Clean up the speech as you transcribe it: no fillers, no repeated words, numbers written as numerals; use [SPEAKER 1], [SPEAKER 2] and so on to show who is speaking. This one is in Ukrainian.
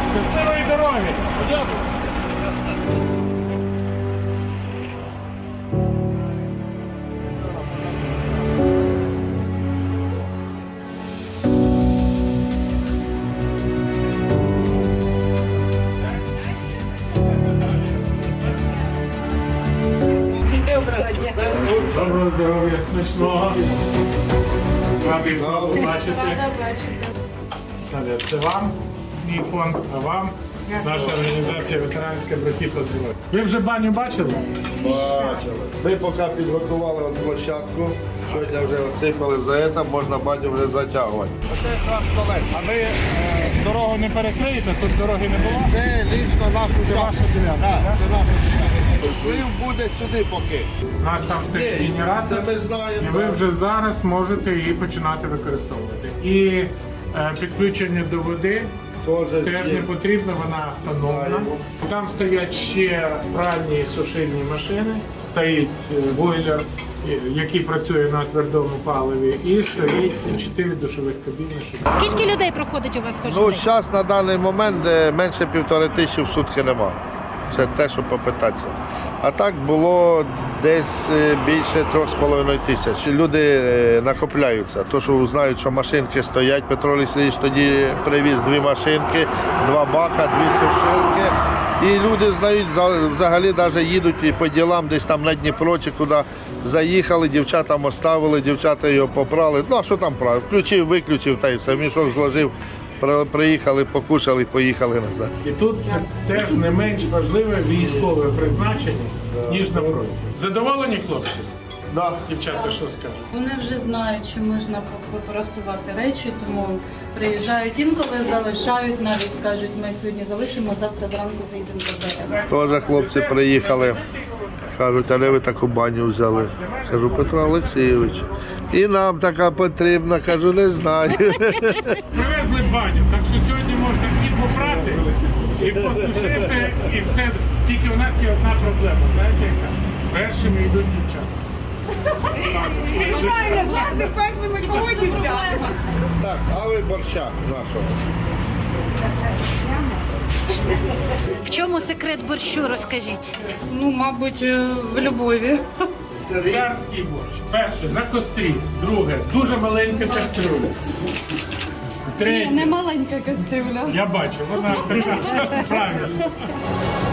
[SPEAKER 1] Щасливої дороги!
[SPEAKER 2] Доброго дня.
[SPEAKER 1] Доброго здоров'я, смачного. Радий знову бачити. Це вам, мій фонд, а вам наша організація ветеранська братів по здоров'ю. Ви вже баню бачили?
[SPEAKER 3] Бачили. Ми поки підготували от площадку, сьогодні вже отсипали за це, можна баню вже затягувати. Оце якраз колеса.
[SPEAKER 1] А ви дорогу не перекриєте, тут дороги не було?
[SPEAKER 3] Це лічно нашу
[SPEAKER 1] Це
[SPEAKER 3] ділянку.
[SPEAKER 1] ваша ділянка,
[SPEAKER 3] Так,
[SPEAKER 1] так?
[SPEAKER 3] це наша ділянка. Слив буде сюди поки.
[SPEAKER 1] У нас там стоїть
[SPEAKER 3] Ні,
[SPEAKER 1] генератор,
[SPEAKER 3] це ми знаємо,
[SPEAKER 1] і ви
[SPEAKER 3] так.
[SPEAKER 1] вже зараз можете її починати використовувати. І підключення до води теж
[SPEAKER 3] є.
[SPEAKER 1] не потрібно, вона автономна.
[SPEAKER 3] Знаємо.
[SPEAKER 1] Там стоять ще пральні і сушильні машини, стоїть бойлер, який працює на твердому паливі, і стоїть 4 душових кабіни.
[SPEAKER 2] Скільки людей проходить у вас кожен
[SPEAKER 3] Ну,
[SPEAKER 2] день?
[SPEAKER 3] зараз на даний момент менше 1500 в сутки нема. Це те, що попитатися. А так було десь більше 3500. Люди накопляються. То, що знають, що машинки стоять, Петро Олексійович тоді привіз 2 машинки, 2 бака, 2 сушилки. І люди знають, взагалі навіть їдуть і по ділам десь там на Дніпро чи куди заїхали, дівчатам оставили, дівчата його попрали. Ну а що там правильно? Включив, виключив та й все, мішок зложив. Приїхали, покушали, поїхали назад.
[SPEAKER 1] І тут це теж не менш важливе військове призначення, ніж на фронті. Задоволені хлопці?
[SPEAKER 3] Да.
[SPEAKER 1] Дівчата, що скажуть?
[SPEAKER 4] Вони вже знають, що можна попростувати речі, тому приїжджають інколи, залишають, навіть кажуть, ми сьогодні залишимо, завтра зранку заїдемо заберемо.
[SPEAKER 3] Теж хлопці приїхали, кажуть, а де ви таку баню взяли? Кажу, Петро Олексійович. І нам така потрібна, кажу, не знаю.
[SPEAKER 1] Привезли баню, так що сьогодні можна і попрати, і посушити, і все. Тільки у нас є одна проблема, знаєте яка? Першими йдуть дівчата.
[SPEAKER 2] Правильно, завжди першими кого дівчата.
[SPEAKER 3] Так, а ви борщак нашого.
[SPEAKER 2] В чому секрет борщу, розкажіть?
[SPEAKER 4] Ну, мабуть, в любові.
[SPEAKER 1] Царський борщ. Перше, на кострі. Друге, дуже маленька кастрюля.
[SPEAKER 4] Ні,
[SPEAKER 1] Третє,
[SPEAKER 4] не маленька кастрюля.
[SPEAKER 1] я бачу, вона така правильно.